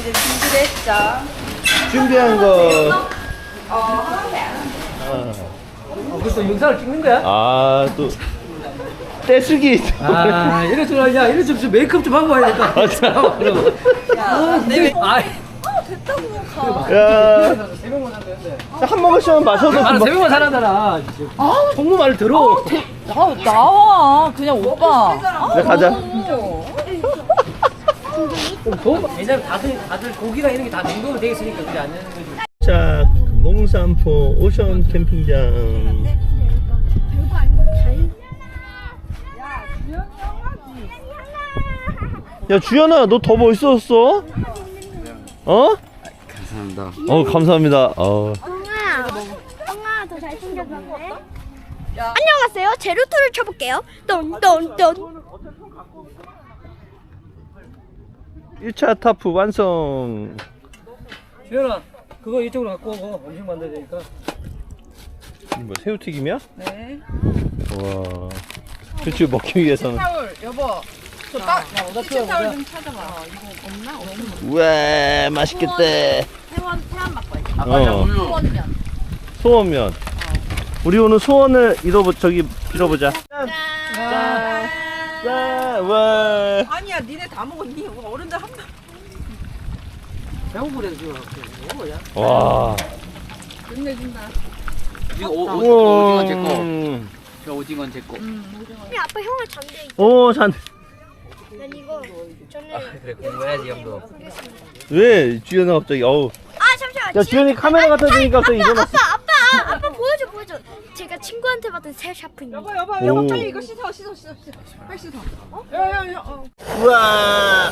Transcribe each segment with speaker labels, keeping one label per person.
Speaker 1: 이제 준비됐죠?
Speaker 2: 준비한 거.
Speaker 3: 그래서 영상을 찍는 거야?
Speaker 2: 아, 또 떼쓰기.
Speaker 3: 아, 이래 좀, 야, 이래 좀 메이크업 좀 하고 와야겠다.
Speaker 1: 됐다고 가.
Speaker 2: 야,
Speaker 3: 세 명만 하면 되는데.
Speaker 2: 한 모금씩만 마셔도
Speaker 3: 나는 세
Speaker 2: 금방.
Speaker 3: 명만 살아나라. 정무 말을 들어.
Speaker 1: 나와. 그냥 오빠.
Speaker 2: 네, 가자.
Speaker 3: 왜냐면 다들 고기랑 이런 게 다 냉동이 돼 있으니까 그게 안 되는 거지.
Speaker 2: 자, 몽산포 오션 캠핑장. 야, 주연아, 너 더 멋있었어? 어?
Speaker 4: 감사합니다.
Speaker 2: 감사합니다.
Speaker 5: 엉아 더 잘생겼는데. 안녕하세요. 제로투를 쳐볼게요. 똔똔똔.
Speaker 2: 1차 타프 완성.
Speaker 3: 주현아, 그거 이쪽으로 갖고 오고 음식 만들어야 되니까.
Speaker 2: 뭐 새우튀김이야?
Speaker 1: 네.
Speaker 2: 와. 그치, 먹기 위해서는.
Speaker 1: 타올, 여보. 저 딱, 키친타올 좀 찾아봐. 이거 없나?
Speaker 2: 우와, 맛있겠다.
Speaker 5: 태원 바꿔야지.
Speaker 1: 소원면.
Speaker 2: 소원면. 우리 오늘 소원을 빌어보자. 짠! 와.
Speaker 1: 아니야, 니네 다 먹었니? 어른들 한 번.
Speaker 3: 배고프래 지금. 뭐야?
Speaker 2: 와.
Speaker 1: 끝내준다.
Speaker 4: 이거 오징어 제 거.
Speaker 2: 음.
Speaker 4: 저 오징어 제 거.
Speaker 5: 우리 아빠 형을 잠재 있어.
Speaker 2: 오, 잔.
Speaker 5: 난 이거 저는.
Speaker 4: 그래 공부해야지 형도.
Speaker 2: 왜 주연아 갑자기? 어우.
Speaker 5: 잠시만.
Speaker 2: 야, 주연이 카메라 갖다 주니까 갑자기 일어났어.
Speaker 5: 아빠 보여줘. 제가 친구한테 받은 새 샤프입니다.
Speaker 1: 여보,
Speaker 2: 오.
Speaker 1: 빨리 이거 씻어. 빨리 씻어. 야.
Speaker 2: 우와.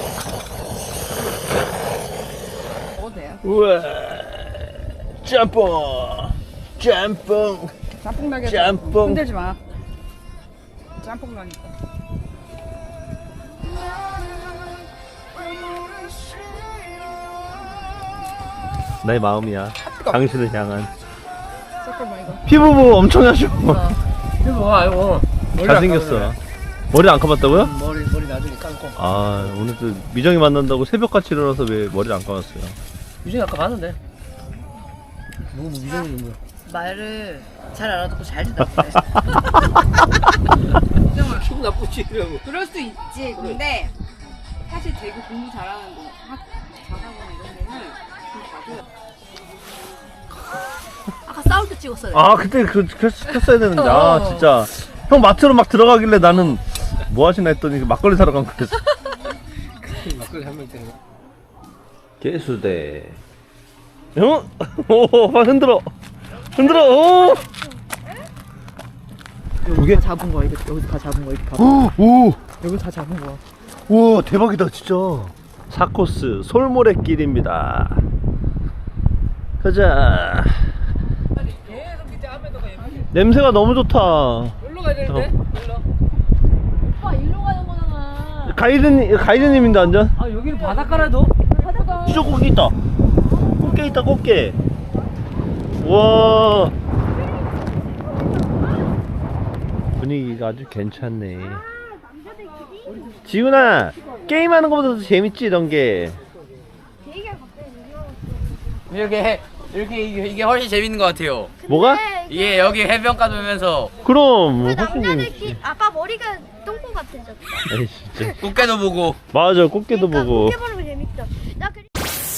Speaker 1: 어디야?
Speaker 2: 우와. 짬뽕. 짬뽕.
Speaker 1: 짬뽕 나게.
Speaker 2: 짬뽕.
Speaker 1: 흔들지 마. 짬뽕 나니까.
Speaker 2: 나의 마음이야. 당신을 향한.
Speaker 1: 잠깐만 이거.
Speaker 2: 피부부 엄청 하셔.
Speaker 3: 이거 봐, 이거.
Speaker 2: 잘생겼어. 머리 안 감았다고요?
Speaker 3: 머리 나중에 감고.
Speaker 2: 아, 오늘 또 미정이 만난다고 새벽같이 일어나서 왜 머리를 안 감았어요?
Speaker 3: 유진이 아까 봤는데. 누구 미정이 누구야?
Speaker 1: 말을 잘 알아듣고 잘 대답해.
Speaker 3: 기분 나쁘지 이러고.
Speaker 1: 그럴 수 있지. 근데 사실 되게 공부 잘하는 자사고나 이런 데는 좀 봐도. 아까 싸울 때 찍었어야 돼.
Speaker 2: 아, 그때 켰어야 되는데. 아, 진짜. 형 마트로 막 들어가길래 나는 뭐 하시나 했더니 막걸리 사러 간 거였어.
Speaker 3: 막걸리 한명 때문에.
Speaker 2: 개수대. 어? 오, 막 흔들어. 오.
Speaker 1: 여기 다 잡은 거야. 이거 여기서 다 잡은 거야. 이렇게
Speaker 2: 오.
Speaker 1: 여기 다 잡은 거야.
Speaker 2: 우와, 대박이다 진짜. 4코스 솔모래길입니다. 가자. 냄새가 너무 좋다.
Speaker 3: 여기로 가야 되는데?
Speaker 5: 오빠 일로 가는 거잖아.
Speaker 2: 가이드님인데 완전.
Speaker 3: 아, 여기는 바닷가라도?
Speaker 2: 저 꽃게 있다. 꽃게 있다, 꽃게. 와. 분위기가 아주 괜찮네. 지훈아, 게임하는 것보다 더 재밌지 이런 게.
Speaker 4: 이게 훨씬 재밌는 것 같아요.
Speaker 2: 뭐가?
Speaker 4: 이게 여기 해변가 돌면서
Speaker 2: 그럼 훨씬
Speaker 5: 남자들끼리
Speaker 2: 재밌지.
Speaker 5: 아빠 머리가 똥꼬 같아졌어.
Speaker 2: 에이 진짜.
Speaker 4: 꽃게도 보고.
Speaker 2: 맞아, 꽃게도 보고.
Speaker 5: 꽃게 보는 거 재밌다. 나 그래.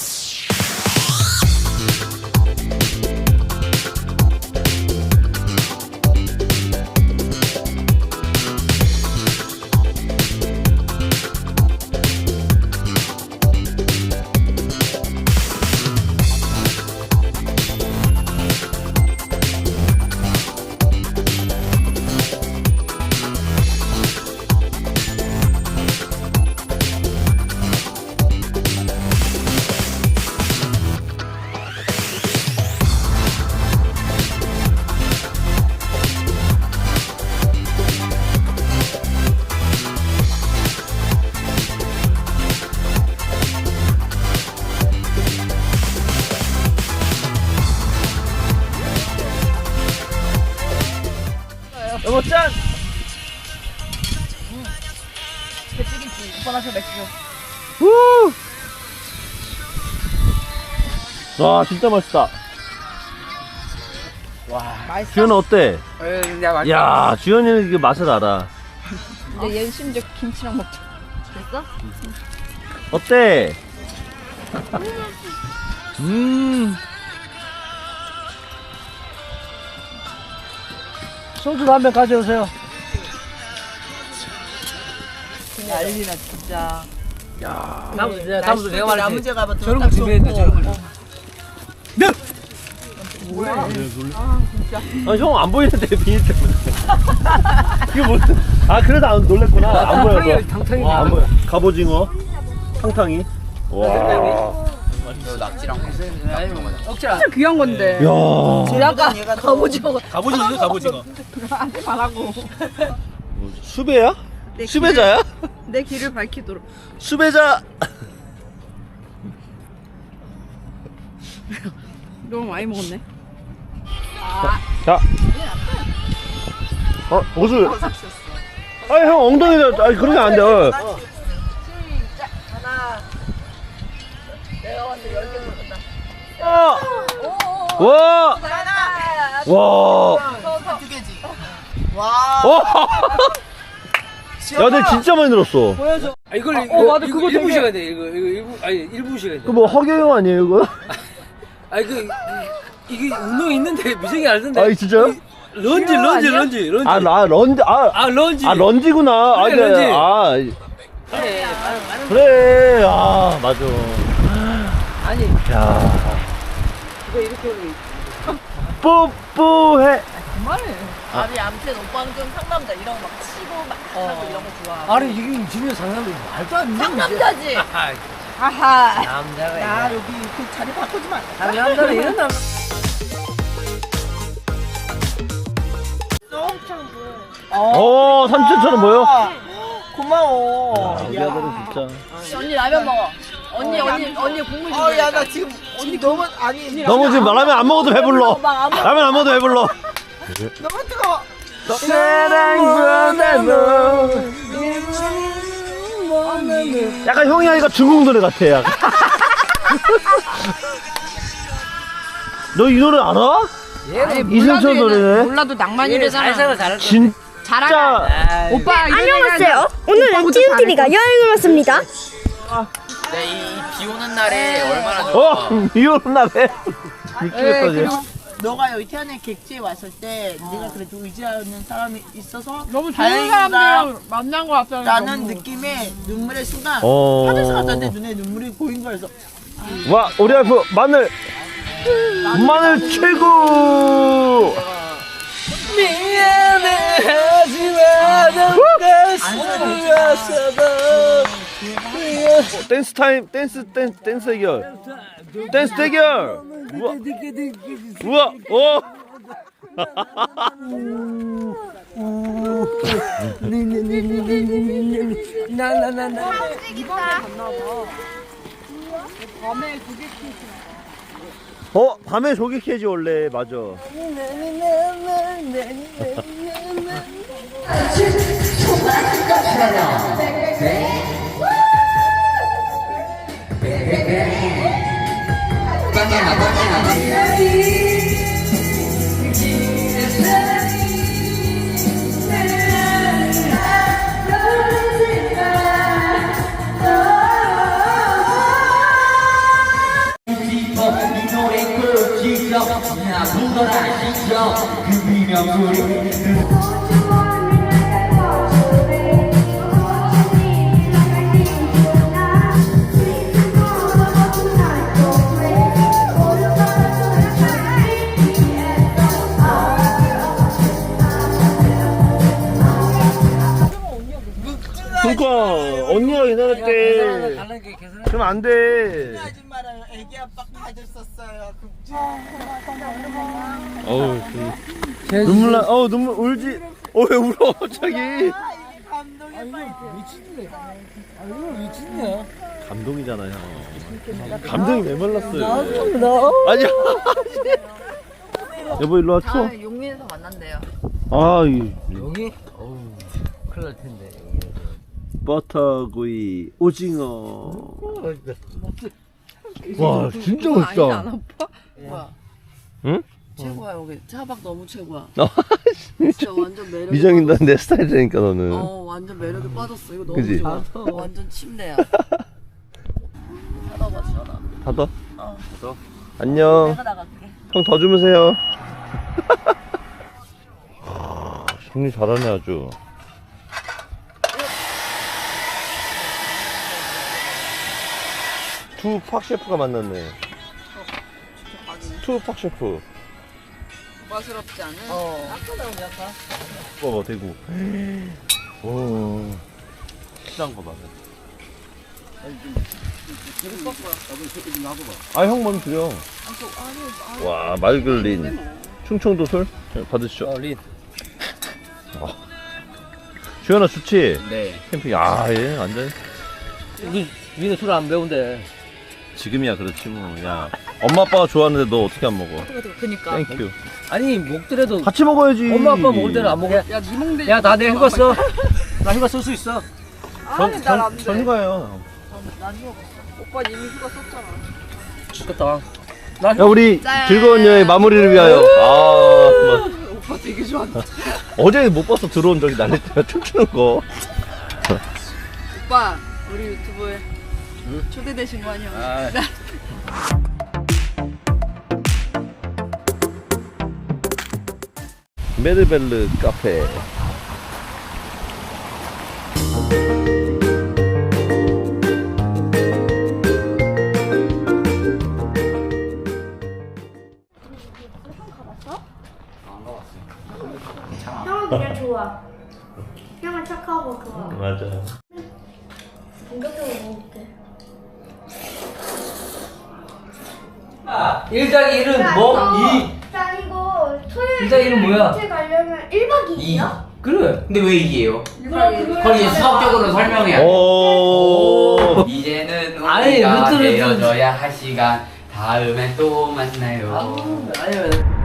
Speaker 2: 여보 짠!
Speaker 1: 맥주김치. 오빠 나저 맥주.
Speaker 2: 후! 와 진짜 맛있다.
Speaker 1: 맛있어.
Speaker 2: 주현은 어때?
Speaker 4: 내가 맛있어.
Speaker 2: 야 주현이는 그 맛을 알아.
Speaker 1: 근데 얘는 심지어 김치랑 먹자. 됐어?
Speaker 2: 어때?
Speaker 3: 소주도 한 병 가져오세요.
Speaker 1: 난리나 진짜.
Speaker 3: 다음부터 내가 말할게.
Speaker 6: 나무제가 뭐
Speaker 3: 저런 거 준비해야 돼, 저런 거.
Speaker 2: 아, 형 안 보이는데 비닐 때문에. 이게 뭐? 아 그래도 안 놀랬구나. 안 보여.
Speaker 3: 탕탕이.
Speaker 2: 와, 안 보여. 갑오징어, 탕탕이. 와.
Speaker 4: 낙지랑
Speaker 3: 억지라.
Speaker 1: 진짜 귀한 건데.
Speaker 2: 야.
Speaker 1: 약간 가보지마.
Speaker 3: 갑오징어죠, 갑오징어.
Speaker 1: 하지 말라고.
Speaker 2: 수배야?
Speaker 1: 내
Speaker 2: 수배자야?
Speaker 1: 내 길을 밝히도록.
Speaker 2: 수배자.
Speaker 1: 너무 많이 먹었네.
Speaker 2: 자. 옷을. 아니 형 엉덩이를. 아니 그러면 안 돼. 와. 와. 와. 야, 근데 진짜 많이 늘었어.
Speaker 3: 아, 이걸,
Speaker 1: 맞아, 그거
Speaker 3: 일부
Speaker 1: 되게-
Speaker 3: 시간 돼, 이거 일부 시간 돼.
Speaker 2: 그 뭐 허경영 아니에요, 이거?
Speaker 3: 아니, 이게 운동 있는데 미정이 알던데.
Speaker 2: 아, 진짜요?
Speaker 3: 런지.
Speaker 2: 아, 런지.
Speaker 3: 런지.
Speaker 2: 아, 런지구나.
Speaker 3: 그래, 런지. 그래,
Speaker 2: 그래. 아, 맞아.
Speaker 3: 아니,
Speaker 2: 야.
Speaker 3: 이거 이렇게 하면
Speaker 2: 뽀뽀해.
Speaker 6: 아니 아무튼 오빠는 좀 상남자 이런 거 막 치고 막 하고 이런 거 좋아하고
Speaker 3: 아니, 이게 진짜 상남자 말도 안 되는
Speaker 6: 상남자지?
Speaker 1: 하하.
Speaker 3: 남자가.
Speaker 6: 야 여기 그 자리 바꾸지 마
Speaker 3: 남자는 이런 남.
Speaker 2: 삼촌처럼 보여?
Speaker 6: 고마워
Speaker 2: 여자들은 진짜.
Speaker 1: 언니 라면 먹어. 언니 국물 좀.
Speaker 6: 야 나 지금 너무 아니
Speaker 2: 너무 지금 라면 안 먹어도 배불러. 라면 안 먹어도 배불러.
Speaker 6: 너무 뜨거워
Speaker 2: 약간 형이 하니까 중국 노래 같아. 약간. 너 이 노래 알아? 이승철 노래네.
Speaker 1: 몰라도 낭만이래잖아.
Speaker 3: 잘할
Speaker 2: 진짜.
Speaker 1: 잘하네. 오빠
Speaker 5: 안녕하세요. 오늘은 찌우TV가 여행을 왔습니다.
Speaker 4: 네, 이 비 오는 날에 얼마나 좋아.
Speaker 2: 이오는 날에. 미치겠다, 지금.
Speaker 6: 너가 여기 태안의 객지에 왔을 때 네가 그래도 의지하는 사람이 있어서
Speaker 1: 너무 좋은
Speaker 6: 다행이다
Speaker 1: 사람들이랑 만난 것 같다는
Speaker 6: 라는 느낌에 눈물의 순간 하늘에서 갔는데 눈에 눈물이 보인 거여서
Speaker 2: 와, 우리 와이프 마늘 최고. 댄스 타임, 댄스 대결. 댄스 대결. 우와, 오. 밤에 조개 캐지 원래. 맞아. 그러니까 언니가 이날 때 그럼 안 돼.
Speaker 6: 하지 말아요 애기 아빠 가질 썼어요
Speaker 2: 어우 눈물 나. 눈물 울지. 왜 울어 갑자기?
Speaker 3: 미친냐?
Speaker 2: 감동이잖아요. 감동이 왜 말랐어요? 아니야. 여보 일로 와. 추워.
Speaker 1: 용민에서 만난대요.
Speaker 3: 여기? 어우, 큰일 날 텐데.
Speaker 2: 버터구이 오징어. 와 진짜
Speaker 6: 아니 안
Speaker 2: 맛있다.
Speaker 6: 아파? 뭐야?
Speaker 2: 응?
Speaker 6: 최고야 여기 차박 너무 최고야.
Speaker 2: 어,
Speaker 6: 진짜 완전 매력.
Speaker 2: 미정이 넌내 스타일이니까 너는.
Speaker 6: 완전 매력에 빠졌어. 이거 너무
Speaker 2: 그지?
Speaker 6: 좋아. 완전 침대야. 닫아봐 시원아.
Speaker 2: 닫아.
Speaker 6: 어.
Speaker 2: 안녕.
Speaker 6: 내가 나갈게.
Speaker 2: 형 더 주무세요. 정리 잘하네 아주. 투 팍 셰프가 만났네. 투 팍 셰프.
Speaker 1: 오바스럽지 않은.
Speaker 6: 아까 나온 약간.
Speaker 2: 봐봐 대구. 오. 실한 거 봐. 아 형 먼저 드려. 와 말글린. 충청도 술 받으시죠.
Speaker 3: 린.
Speaker 2: 주연아 좋지.
Speaker 4: 네.
Speaker 2: 캠핑 아예 완전.
Speaker 3: 위는 술 안 배운데.
Speaker 2: 지금이야 그렇지 뭐. 야 엄마 아빠가 좋아하는데 너 어떻게 안 먹어?
Speaker 6: 그니까.
Speaker 2: 땡큐.
Speaker 3: 아니 먹더라도
Speaker 2: 같이 먹어야지.
Speaker 3: 엄마 아빠 먹을 때는 안 먹어.
Speaker 1: 야, 니 먹는
Speaker 3: 야 나 내일 휴가 써. 나 휴가 쓸 수 있어.
Speaker 1: 아니, 난안 돼.
Speaker 2: 전 휴가요.
Speaker 1: 오빠 이미 휴가 썼잖아.
Speaker 3: 좋겠다. 나
Speaker 2: 야 우리 즐거운 여행 마무리를 위하여.
Speaker 1: 오빠 되게 좋아한다.
Speaker 2: 어제 못 봤어 들어온 적이 난리 때문에 춤추는 거.
Speaker 1: 오빠, 우리 유튜브에 초대되신 거 아니야?
Speaker 2: 메르벨르 카페.
Speaker 5: 형은 그냥 좋아. 형은 착하고 좋아.
Speaker 2: 맞아.
Speaker 5: 본격적으로 먹을게.
Speaker 3: 1당 1은 뭐? 2.
Speaker 5: 아니고 토요일
Speaker 3: 일단 이름 뭐야?
Speaker 5: 이틀 가려면 1박 2일이야?
Speaker 3: 그래.
Speaker 4: 근데 왜 이게요?
Speaker 5: 그럼
Speaker 4: 거기 수학적으로 설명해야 돼.
Speaker 2: 오.
Speaker 4: 이제는
Speaker 3: 아니,
Speaker 4: 우리가
Speaker 3: 루트를
Speaker 4: 헤어져야 할 시간. 다음에 또 만나요.
Speaker 3: 아니면